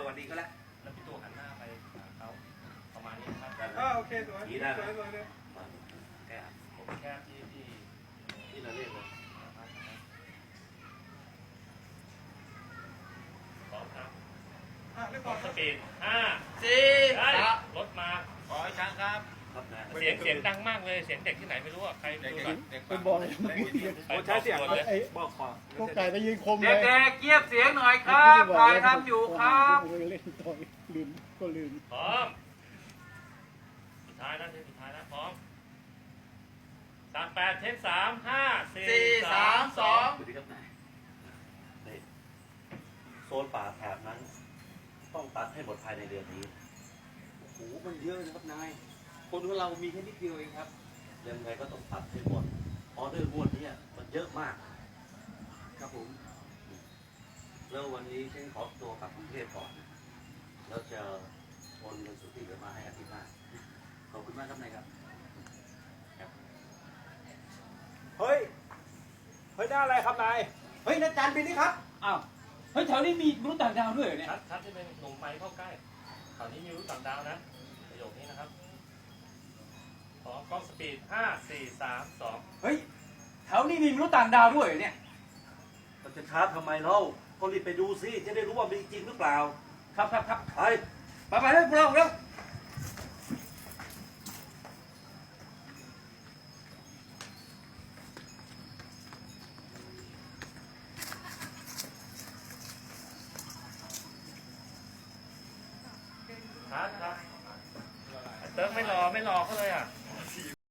วัสดีก็แล้วแล้วพี่ตัวหันหน้าไปหาเขาประมาณนี้ครับโอเคสวยสวยเลยแกผมแค่ที่เราเรียกเลยพร้อมครับเรียบกร้อดยสปีด5 4 ได้รถมาขอให้ช้างครับครับนะเสียงดังมากเลยเสียงเด็กที่ไหนไม่รู้อ่ะใครดูก่อนเป็นบอลโอ้ใช้เสียงเลยบอกขอพวกไก่ไปยืนคมเลยเด็กๆเงียบเสียงหน่อยครับถ่ายทำอยู่ครับเล่นต่อยลืมก็ลืมพร้อมสุดท้ายนะเทปสุดท้ายนะพร้อม38เทป3 5 4 3 2 ดูดิครับนายโซนป่าแถบนั้นต้องตัดให้หมดภายในเดือนนี้โอ้โหมันเยอะนะครับนายคนของเรามีแค่นิดเดียวเองครับยังไงก็ต้องตัดให้หมดออเดอร์งวดนี้มันเยอะมากครับผมแล้ววันนี้ฉันขอตัวกลับกรุงเทพก่อนแล้วจะโอนเงินสุทธิเหลือมาให้อาทิตย์หน้าขอบคุณมากครับนายครับเฮ้ยได้อะไรครับนายเฮ้ยนัดจานบินนี่ครับอ้าวเฮ้ยแถวนี้มีมนุษย์ต่างดาวด้วยเหรอเนี่ยชัดที่เป็นหนุ่มไฟเข้าใกล้ตอนนี้มีรู้ต่างดาวนะประโยคนี้นะครับพร้อมกล้องสปีด5 4 3 2 เฮ้ยแถวนี้มีมนุษย์ต่างดาวด้วยเหรอเนี่ยเราจะช้าทำไมเล่าก็รีบไปดูสิจะได้รู้ว่ามีจริงหรือเปล่าครับไปเร็วพวกเราเร็ว